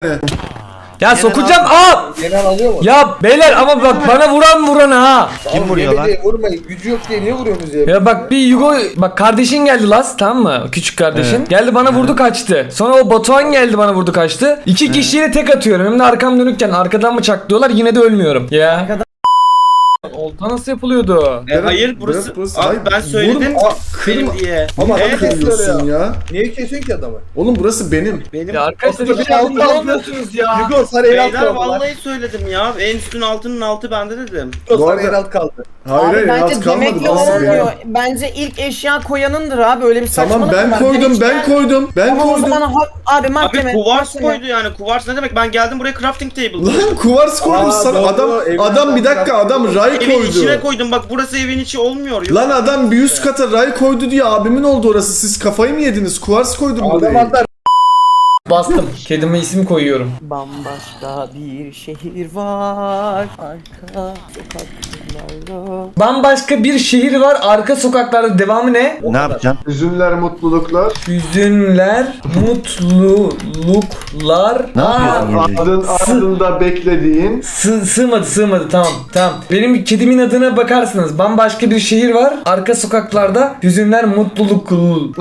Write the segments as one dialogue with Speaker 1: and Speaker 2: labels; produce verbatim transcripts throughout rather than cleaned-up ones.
Speaker 1: Ya sokacağım. Aa!
Speaker 2: Genel alıyor mu?
Speaker 1: Ya beyler ama bak bana vuran vuran ha.
Speaker 3: Kim vuruyor lan?
Speaker 2: Vurmayın. Gücü yok diye niye vuruyorsunuz ya?
Speaker 1: Ya bak bir Yugo bak kardeşin geldi Las, tamam mı? Küçük kardeşin.
Speaker 3: Evet.
Speaker 1: Geldi bana vurdu kaçtı. Sonra o Batuhan geldi bana vurdu kaçtı. İki kişiyle tek atıyorum. Hem de arkam dönükken arkadan mı çaklıyorlar, yine de ölmüyorum. Ya. Olta nasıl yapılıyordu?
Speaker 4: E, hayır burası,
Speaker 5: burası-
Speaker 4: abi
Speaker 5: hayır,
Speaker 4: ben söyledim
Speaker 5: vurma-
Speaker 4: benim
Speaker 5: kırma-
Speaker 4: diye.
Speaker 2: Ama adam
Speaker 4: Evet,
Speaker 2: kesiyor ya.
Speaker 5: ya.
Speaker 2: Niye kesiyorsun ki adamı?
Speaker 5: Oğlum burası benim.
Speaker 4: benim.
Speaker 1: Ya arkadaşlar
Speaker 2: Aslında
Speaker 1: hiç
Speaker 2: bir altı
Speaker 1: yardımcı
Speaker 2: aldı.
Speaker 1: olmuyorsunuz ya.
Speaker 2: Yugo sana el alt
Speaker 4: Beyler
Speaker 2: kaldı.
Speaker 4: vallahi söyledim ya. En üstün altının altı bende dedim.
Speaker 2: Yugo
Speaker 5: Bu
Speaker 2: sana
Speaker 5: arada-
Speaker 2: el alt kaldı.
Speaker 5: Hayır
Speaker 6: Abi
Speaker 5: hayır
Speaker 6: bence
Speaker 5: az kalmadı.
Speaker 6: demekle
Speaker 5: Burası
Speaker 6: olmuyor.
Speaker 5: benim.
Speaker 6: Bence ilk eşya koyanındır abi. Öyle bir saçmalık
Speaker 5: Tamam ben
Speaker 6: var.
Speaker 5: koydum
Speaker 6: hiç
Speaker 5: ben
Speaker 6: gel-
Speaker 5: koydum. Ben
Speaker 6: Ama o
Speaker 5: koydum.
Speaker 6: zaman ha- abi mahkeme.
Speaker 4: Abi kuvars
Speaker 6: mahkeme.
Speaker 4: koydu yani. Kuvars ne demek? Ben geldim buraya crafting table.
Speaker 5: Lan kuvars koydum
Speaker 2: Aa,
Speaker 5: sana.
Speaker 2: doğru,
Speaker 5: Adam
Speaker 2: evin
Speaker 5: adam bir dakika adam ray
Speaker 4: Evin içine
Speaker 5: koydu.
Speaker 4: koydum. Bak burası evin içi olmuyor. Yok.
Speaker 5: Lan adam bir üst kata ray koydu diye abimin oldu orası. Siz kafayı mı yediniz? Kuvars koydum
Speaker 2: Adam
Speaker 5: buraya.
Speaker 2: atlar.
Speaker 1: Bastım. Kedime isim koyuyorum.
Speaker 6: Bambaşka bir şehir var. Arka sokaklarda.
Speaker 1: Bambaşka bir şehir var arka sokaklarda, devamı ne?
Speaker 3: Ne yapacaksın?
Speaker 5: Üzümler, mutluluklar.
Speaker 1: Hüzünler, mutluluklar.
Speaker 3: Ne
Speaker 1: Aa,
Speaker 3: yapıyorsun?
Speaker 5: Adın ardında beklediğin.
Speaker 1: Sı sığmadı sığmadı, tamam tamam. Benim kedimin adına bakarsınız. Bambaşka bir şehir var. Arka sokaklarda hüzünler, mutluluk.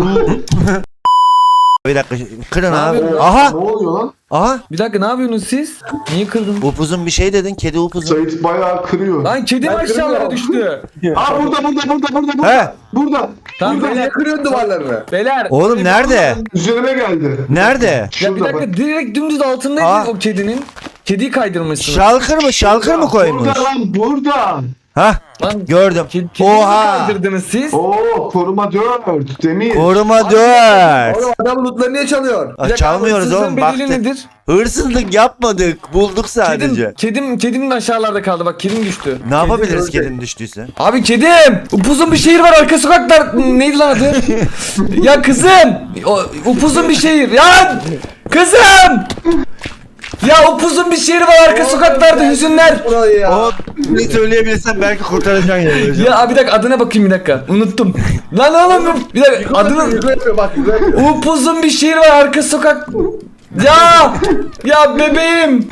Speaker 3: Bir dakika kırın
Speaker 1: Ne
Speaker 3: abi.
Speaker 1: yapıyorsun?
Speaker 3: Aha!
Speaker 5: Ne oluyor lan?
Speaker 3: Aha!
Speaker 1: Bir dakika, ne yapıyorsunuz siz? Niye kırdın?
Speaker 3: Upuzun bir şey dedin. Kedi upuzun.
Speaker 5: Sait bayağı kırıyor.
Speaker 1: Lan kedim aşağılara düştü.
Speaker 5: Aa burada burada burada burada burada.
Speaker 3: He!
Speaker 5: Burada.
Speaker 1: Tamam
Speaker 2: Niye
Speaker 1: beyler.
Speaker 2: kırıyorsun duvarlarını?
Speaker 1: Beyler.
Speaker 3: Oğlum nerede?
Speaker 5: Üzerime geldi.
Speaker 3: Nerede?
Speaker 1: Ya bir
Speaker 5: Şurada
Speaker 1: dakika,
Speaker 5: bak.
Speaker 1: direkt dümdüz altındaydı
Speaker 3: Aa.
Speaker 1: o kedinin. Kediyi kaydırmışsınız.
Speaker 3: Şalkır mı? Şalkır mı koymuş?
Speaker 5: Burada lan burada.
Speaker 3: Hah!
Speaker 1: Lan
Speaker 3: Gördüm.
Speaker 1: kedi, kediyi mi
Speaker 3: Oha!
Speaker 1: kaydırdınız siz?
Speaker 5: Oo koruma dört. Demir.
Speaker 3: Koruma dört.
Speaker 2: Oğlum adam lootları niye çalıyor?
Speaker 1: Bir
Speaker 3: Aa,
Speaker 1: dakika,
Speaker 3: çalmıyoruz
Speaker 1: hırsızlığın
Speaker 3: oğlum.
Speaker 1: bedeli
Speaker 3: Baktık.
Speaker 1: nedir?
Speaker 3: Hırsızlık yapmadık. Bulduk sadece.
Speaker 1: Kedim, kedim, kedim aşağılarda kaldı, bak kedim düştü.
Speaker 3: Ne yapabiliriz
Speaker 2: ölecek.
Speaker 3: kedinin düştüyse?
Speaker 1: Abi kedim! Upuzun bir şehir var arka sokaklar. Neydi lan adı? Ya kızım! O, upuzun bir şehir. Ya! Kızım! Ya upuzun bir şehir var arka sokaklarda, hüzünler.
Speaker 2: Burayı ya.
Speaker 3: O ne söyleyebilirsen belki kurtaracaksın yani.
Speaker 1: Ya abi bir dakika, adına bakayım bir dakika. Unuttum. Lan oğlum bir dakika, adını...
Speaker 2: Yugo yapıyor bak Yugo yapıyor.
Speaker 1: Upuzun bir şehir var arka sokak. Ya! Ya bebeğim!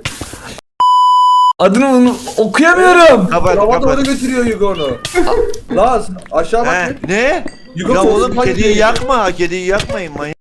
Speaker 1: Adını unu- okuyamıyorum.
Speaker 3: Kapat
Speaker 2: Hava doğru
Speaker 3: kapat.
Speaker 2: götürüyor Yugo onu. Laz aşağı bak.
Speaker 3: He, ne?
Speaker 2: Yugo
Speaker 3: Ya
Speaker 2: korksun,
Speaker 3: oğlum
Speaker 2: hadi
Speaker 3: kediyi
Speaker 2: gidelim.
Speaker 3: yakma. Kediyi yakmayın manyak.